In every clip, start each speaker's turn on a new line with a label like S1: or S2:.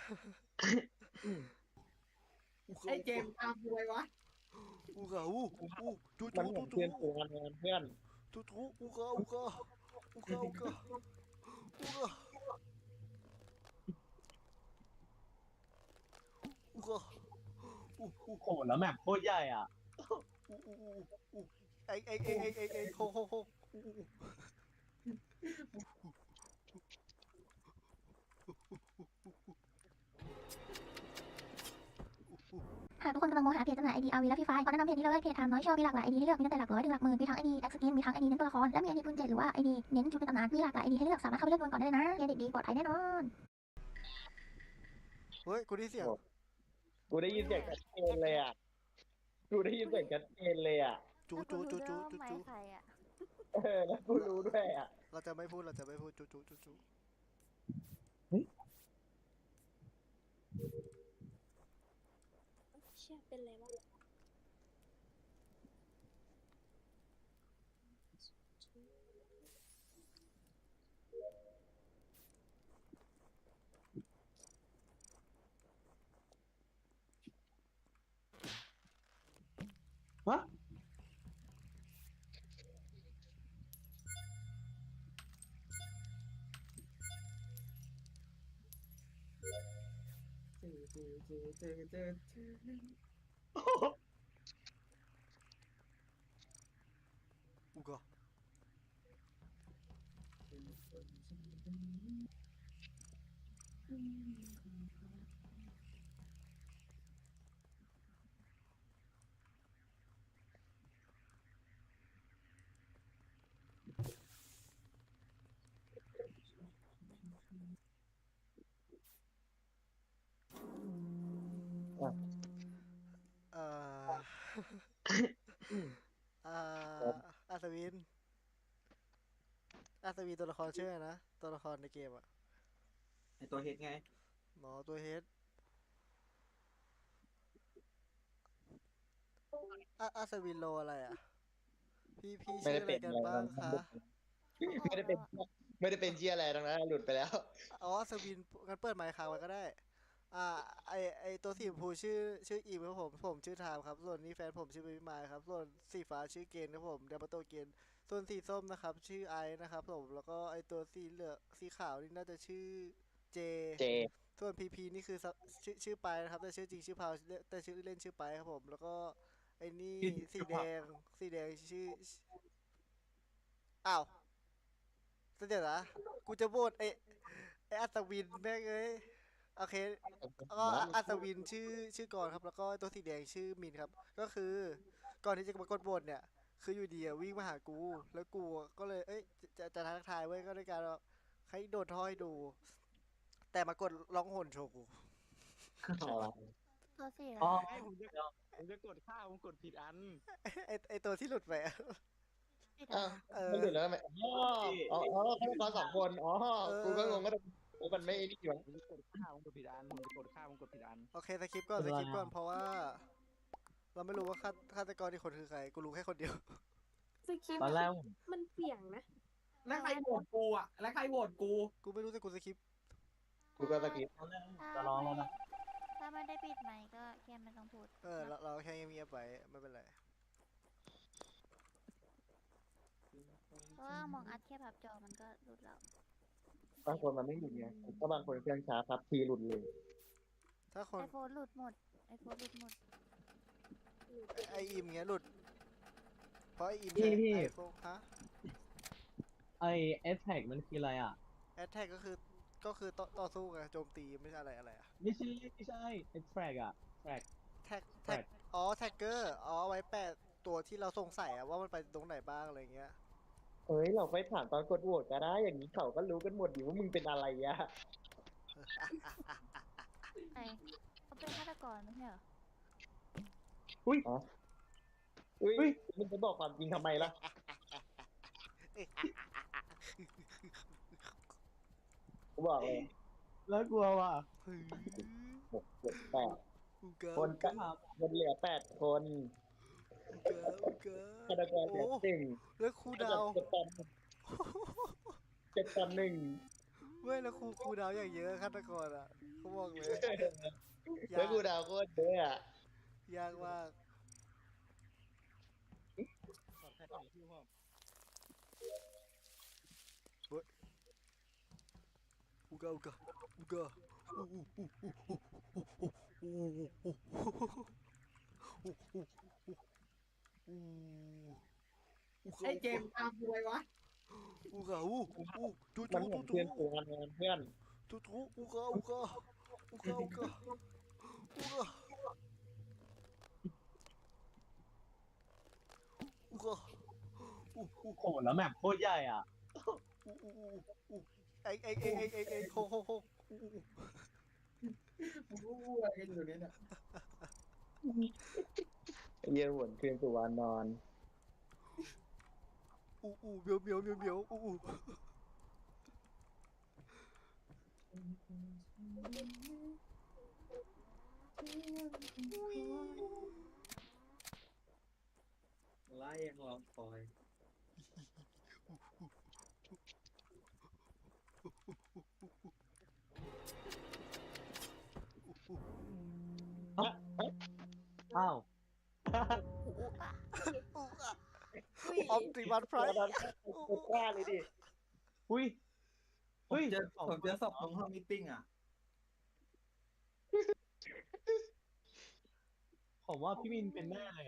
S1: ไอ้เกมตามกูไปวะ
S2: อูกาอูจู
S3: มัน
S2: จู
S3: เหมื
S2: จูจู
S3: อนเพื่อนฝูงกันเพื่อน
S2: จูจูอูกาอูกาอูอู
S3: โหแล้วแมปโคตรใหญ่อ่ะ
S2: อูอูอูอูไอโค
S4: หากทุกคนกำลังมองหาเพจจำหน่ายไอดีอาร์วีและฟรีไฟล์ขอแนะนำเพจนี้เลยเพจไทม์น้อยชอมีหลากหลายไอดีให้เลือกมีตั้งแต่หลักร้อยถึงหลักหมื่นมีทั้งไอดีแอคสกินมีทั้งไอดีเน้นตัวละครและมีไอดีปืนเจ็ดหรือว่าไอดีเน้นชุดในตำนานมีหลากหลายไอดีให้เลือกสามารถเข้าไปเลือกดวลก่อนได้เลยนะเครดิตดีปลอดภัยแน่นอน
S2: เฮ้ยกูได้เสียง
S3: กูได้ยินเสียงชัดเจนเลยอ่ะกูได้ยินเสียงชัดเจนเลยอ่ะ
S2: จู
S4: ใครอ่ะ
S3: แล้วกูรู้ด้วยอ่ะ
S2: เราจะไม่พูดจู
S5: เชี่ยเป็นไรวะ
S3: ฮะ
S2: อูกาเอ่ออาสวินตัวละครชื่ออะไรนะตัวละครในเกมอะ
S1: ไอตัวเฮดไง
S2: หมอตัวเฮดอาสวินโลอะไรอ่ะพี่
S3: ไม่
S2: ชื่อ
S3: ได้
S2: อะไร
S3: เป็น
S2: กัน
S3: อะไร
S2: บ้างคะ
S3: ไม่ได้เป็นไม่ได้เป็นเชียอะไรทั้งนั้นหลุดไปแล้ว
S2: อ๋ออาสวินงั้นเปิดไมค์ค้างไว้ก็ได้อ่าไอตัวสีชมพูชื่ออีมครับผมชื่อไทม์ครับส่วนนี้แฟนผมชื่อเบบี้มายครับส่วนสีฟ้าชื่อเกนครับผมเดบโตเกนส่วนสีส้มนะครับชื่อไอซ์นะครับผมแล้วก็ไอตัวสีเหลืองสีขาวนี่น่าจะชื่อเจ
S3: เจ
S2: ส่วนพีนี่คือชื่อไปนะครับแต่ชื่อจริงชื่อพาวแต่ชื่อเล่นชื่อไปครับผมแล้วก็ไอ้นี่สีแดงชื่ออ้าวเดี๋ยวนะกูจะโหวตไออัศวินแม่งเอ้ยโอเคก็อัศวินชื่อกรครับแล้วก็ตัวสีแดงชื่อมินครับก็คือก่อนที่จะมากดโหวตเนี่ยคืออยู่ดีอะวิ่งมาหากูแล้วกูก็เลยเอ้ยจะทักทายเว้ยก็ด้วยการให้โดนท่อให้ดู แต่มากดร้องโหนโชกู
S4: ตัวสี่
S3: อ๋อ
S1: ไอ้ผมจะกดข้าวผมกดผิดอัน
S2: ไอตัวที่หลุดไปอะ
S3: อ้าว
S2: เออ
S3: มันหลุดแล้วไหมอ๋อฆาตกรสองคนอ๋อ
S2: เออ
S3: กูก็งงก็มันไม่นี่อยู่
S1: ผมจะกดข้าวผมกดผิดอันผมจะกดข้าวผมกดผิดอัน
S2: โอเคสคริปต์ก่อนเพราะว่า เราไม่รู้ว่าฆาตกรที่คนคือใคร กูรู้แค่คนเดียว
S5: สคริป
S3: ตอนแรก
S5: มันเสี่ยงนะ
S1: แล้วใครโหวตกูอ่ะแล้วใครโหวตกู
S2: กูไม่รู้แต่กูสคริปต์
S3: กูก็ตะกี้
S4: จะร้องแล้วนะถ้าไม่ได้ปิดไมค์ก็แค่ไม่ต้องพูด
S2: เราแค่เงียบๆไปไม่เป็นไร
S4: เพราะว่ามองอัดแค่พับจอมันก็รุดแล้ว
S3: บางคนมันไม่หลุดไงถ้าบางคนเครื่องช้าครับทีหลุดเลย
S2: ถ้าคน
S4: ไอโฟนหลุดหมดไอโฟนหลุดหมด
S2: ไออิมเงี้ยหลุด เพราะไออิมใช้ไอโฟนฮะ
S6: ไอเอสแท็กมันคืออะไรอ่ะ
S2: แอตแทกก็คือต่อสู้ไงโจมตีไม่ใช่อะไรอะ
S6: ไม่ใช่เอสแท็กอ่ะแท็ก
S2: แท็กอ๋อแท็กเกอร์อ๋อไว้แปะตัวที่เราสงสัยอะว่ามันไปตรงไหนบ้างอะไรเงี้ย
S3: เฮ้ยเราไปถามตอนกดโหวตก็ได้อย่างนี้เขาก็รู้กันหมดอยู่ว่ามึงเป็นอะไรอะ
S4: ไอเขาเป็นฆาตกรไม่ใช่เหรอ
S3: อุ้ยมึงจะบอกความจริงทำไมล่ะกูบอกเลย
S6: แล้วกลัวว่ะ
S3: 6 7 8
S2: อุกา
S3: คนก็มันเหลือ8 คนฆาตกรเหลือ
S2: โอ้
S3: 1
S2: แล้วครูดาว
S3: 7 ตอน 1
S2: เว้ยแล้วครูดาวอย่างเยอะฆาตกรอะเขาบอกเลย
S3: แล้วกูดาวโคตรเยอะอ่ะ
S2: ยากมาก อูกาอูกาอูกาอูอูอูอูอูอูอู
S1: ไอ้เจมส์ตามบวยวะ
S2: อูกาอูอูจู
S3: มัน
S2: จู
S3: เหมือน
S2: จู
S3: เพื่อนกูงานเพื่อน
S2: จูจูอูกาอูกาอูกาอูกาอูกาอูกาอูอู
S6: โอ้โหแล้วแมปโคตรใหญ่อ่ะ
S2: อูอูอูไอโฮโฮโฮอูอู
S1: มึงรู้อะไรกันอยู่เนี่ย
S3: เยี่ยหวนเพื่อนกูวานนอน
S2: อูอูเบียวเบียวเบียวเบียวอูอู
S1: ไล่ยังลองคอย
S6: อ้าว
S2: ออมติมันไพร
S3: ตอนกูกล้าเลยดิ
S6: อุ้ย
S1: ผมเจอศพตรงห้องมิทติ้งอ่ะ
S6: ผมว่าพี่มินเป็นแน่เลย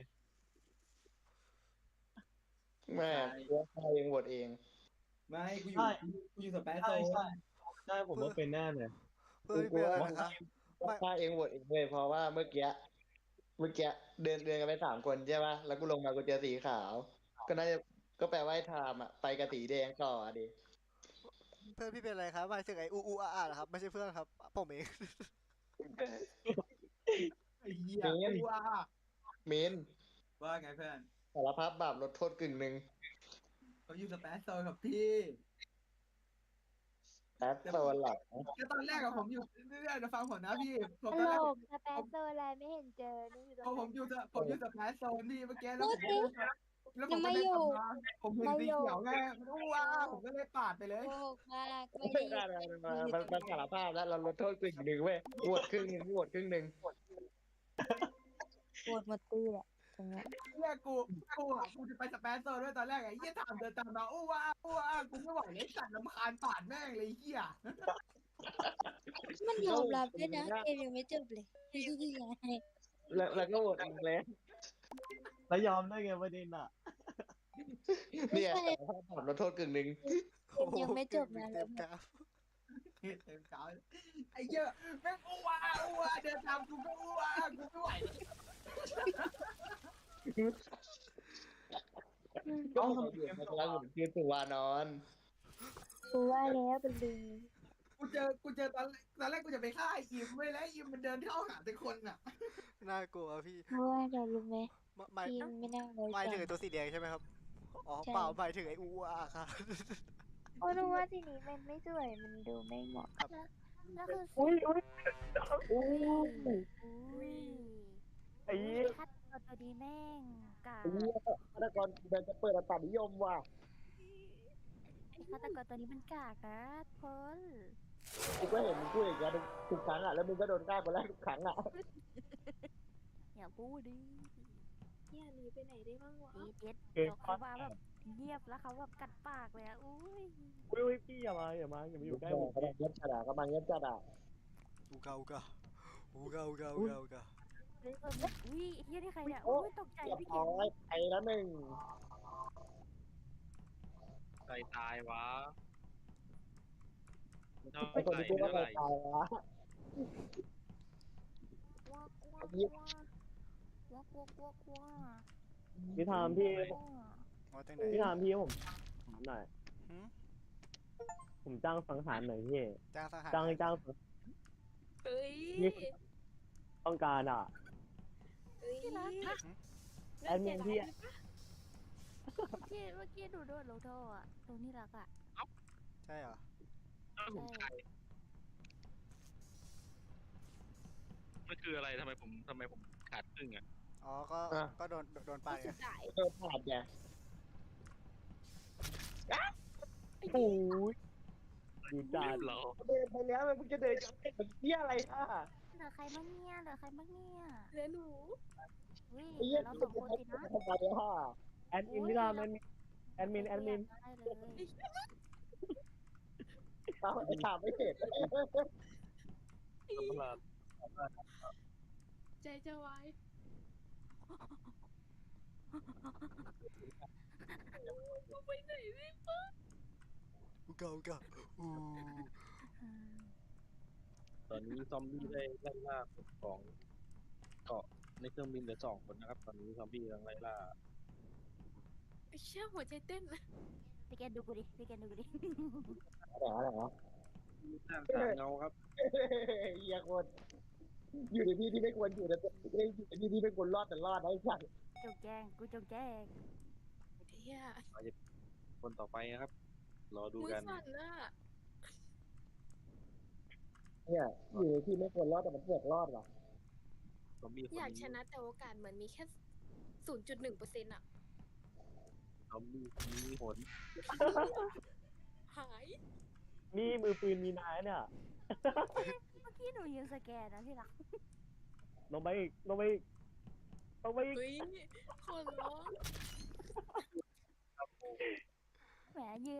S3: แม่กูฆ่าเองโหวตเอง
S1: ไม่กูอ
S6: ใช่
S1: ยู่กูอยู่สเปซโซ
S6: ใช่
S1: น
S6: ใช่ใช่ผมว่าเป็นแน่เลย
S2: เพื่อนเป็นอะไรนะคะ
S3: ฆ่าเองโหวตเองเลยเพราะว่าเมื่อกี้เดินกันไป3 คนใช่ป่ะแล้วกูลงมากูเจอสีขาว ก็น่าจะก็แปลว่าไอ้ไทม์อ่ะไปกับสีแดงต่ออ่ะดิ
S2: เพื่อนพี่เป็นอะไรครับหมายถึงไอ้อูอูอาอาเหรอครับไม่ใช่เพื่อนครับผมเอง
S1: ไอ้เหี้ยกูว่า
S3: เมน
S1: ว่าไงเพื่อน
S3: สารภาพบาปลดโทษกึ่งหนึ่ง
S1: เขาอยู่สเปซโซนกับพี่
S3: แอดโซนหลัก
S1: ก็ตอนแรกอะผมอยู่เรื่อยๆนะฟังผมนะพี่ผม
S5: ต
S1: ตอน
S5: ล
S1: แรก
S5: กสเปซโซอะไรไม่เห็นเจอนี่อยู่ต
S1: พอ
S5: รง
S1: ผมอยู่สเปซโซนพี่เมื่อกี้แล้วผม
S5: พูดสิ
S1: แล้วผมก็เดินกลับมาผมเห็นสีเขียวไงว้าผมก็เลยปาดไปเลย
S5: โกหกมากไม่
S3: ไม่
S5: ได้
S3: ได้มันสารภาพแล้วเราลดโทษกึ่งหนึ่งเว้ยโหวตครึ่งหนึ่งโหวตครึ่งหนึ่ง
S5: ปวดหมดตีแหละตรงเนี้ย
S1: เนี่ยกูจะไปสเปซโซนด้วยตอนแรกไอ้เหี้ยถามเดินตามมาอู้ว้ากูไม่ไหวเลยสัตว์ลำคาญปาดแม่งเลยเหี้ย
S5: มันยอมรับด้วยนะเกมยังไม่จบเลยยังไง
S3: แล้วก็โหวตเองเลย
S6: แล้วยอมได้ไงประเด็นอ่ะ
S3: เนี่ยสารภาพบาปลดโทษกึ่งหนึ่ง
S5: เกมยังไม่จบนะ
S2: เต็มกราฟ
S1: เต็มเช้าไอ้เหี้ยแม่งอู้ว้าเดินตามกูก็อู้ว้ากูไม่ไหว
S3: ก็ทำเดือดมาแล้วเหมือนคือตัวนอน
S5: กูว่าแล้วเป็นลิง
S1: กูเจอตอนแรกกูจะไปฆ่าไอ้อิมไว้แล้วอิมมันเดินเข้าหาแต่คนอ่ะ
S2: น่ากลัวพี่
S5: เพราะว่าเรารู้ไหม
S2: หมาย
S5: ทีมไม่นั่งเลย
S2: หมายถึงไอ้ตัวสีแดงใช่ไหมครับอ๋อ
S5: ใช่
S2: เปล่าหมายถึงไอ้อูอูอาครับ
S5: โอ้รู้ว่าทีนี้มันไม่สวยมันดูไม่เหมาะ
S4: แล้วคือ
S3: อุ้ย
S4: อุ้ย
S3: ไอ้
S4: คัดตัวดีแม่งกา
S3: ฆาตกรเดินจะเปิดอัตรานิยมว่ะ
S4: ไอ้ฆาตกรตัวนี้มันกากนะพล
S3: กูก็เห็นมึงพูดอย่างเงี้ยทุกครั้งอ่ะแล้วมึงก็โดนฆ่าคนแรกทุกครั้งอ่ะ
S4: อย่าพูดดิ
S5: เนี่ยหนีไปไหนได้บ้างวะ
S4: ดีเด็ดเดี๋ยวเขามาแบบเงียบแล้วเขาแบบกัดปากเลยอะอุ้ย
S6: อุ้ยพี่อย่ามาอยู่ใกล้ผม
S3: กำลังเงียบจัดอ่ะกำลังเงียบจัดอ่ะ
S2: อูกาอูกาอูกาอูกาอูกาอูกา
S4: เฮ้ยอุ้ยเฮียนี่ใครเนี่ยอุ้ยตกใจ
S3: เรียบ
S4: พี่เก
S3: ร้
S4: ม
S3: อยไปแล้วหนึ่ง
S7: ใครตายวะเท่า
S3: ไอ้คน
S7: ไหร่
S3: ที่พูดว่า
S7: เท่าไหร่
S3: ตายวะ
S4: ว้าวว้าวว้าว
S6: พี่ทามพี่
S2: ว่าตั้งไหน
S6: พี่ทามพี่ผมถามหน่อย
S2: หืม
S6: ผมจ้างสังหารหน่อยพี่
S2: จ้างทหาร
S6: จ้าง
S5: เฮ้ย
S6: ต้องการอ่ะ
S5: เฮ้ย
S6: แอดมินพี่
S4: เมื่อกี้ดูโดนโลโทอะตรงนี้รักอะ
S2: ใช่เหรอ
S7: อ้าวผมใครมันคืออะไรทำไมผมขาดครึ่งอ่ะ
S2: อ๋อก็โดนไปไง
S5: สุดท้าย
S3: เออผ่านไง
S6: โอ้ยดูด่า
S7: เรียบร้อย
S3: เดินไปแล้วมึงจะเดินจะเป็นเหี้ยอะไรอ่ะ
S4: เหลือใครบ้างเนี่ยเหลือใครบ้างเนี่ย
S5: เหลือหนู
S4: อุ้ย
S3: ไอ้
S4: เหลื
S3: เหี้ย
S4: อเรา
S3: ที่
S4: ส
S3: มั
S4: อน ง
S3: จะ
S4: คน
S3: ทำ
S4: สินะ
S3: ทำไมอ่ะ
S6: แอดมินพี่รามแอดมิน
S4: ได้เลย
S3: เอาไอ้ถามไม่เสร็จ
S7: สำหรับ
S5: ใจจะวาย ไปไหนดิ
S2: อุกาอุกาอู้
S7: ตอนนี้ซอมบี้ได้ไล่ล่าคนของเกาะในเครื่องบินเหลือ2 คนนะครับ ตอนนี้ซอมบี้กำลังไล่ล่า
S5: เชื่อหัวใจเต้นนะ
S4: พี่แกดูกูดิพี่แกดูกูดิ
S3: อะไรวะ
S7: ด้านสามเงาครับ
S3: เหี้ยคนอยู่ในที่ที่ไม่ควรอยู่นะอยู่ในที่ที่ไม่ควรรอดแต่รอดนะไอ้สัส
S4: จงแจ้งกูจงแจ้ง
S5: เฮีย
S7: คนต่อไปนะครับ รอดู
S5: มือ
S7: กัน
S5: สั่นน่ะ
S3: เนี่ยอยู่ในที่ไม่ควรรอดแต่มันเสือกรอดว่ะ
S7: ซอมบี้คน
S5: อยาก
S7: นี้
S5: ชนะแต่โอกาสเหมือนมีแค่ 0.1%อ่ะ
S7: ซอมบี้คนนี้โหด
S5: หาย
S6: นี่มือปืนมีนายเนี่ย
S4: เมื่อกี้หนูยืนสแกนนะที่รัก
S6: ลงไปอีกลงไปอีกลงไปอีก
S5: เฮ้ยคนร้อง
S4: แหมยืน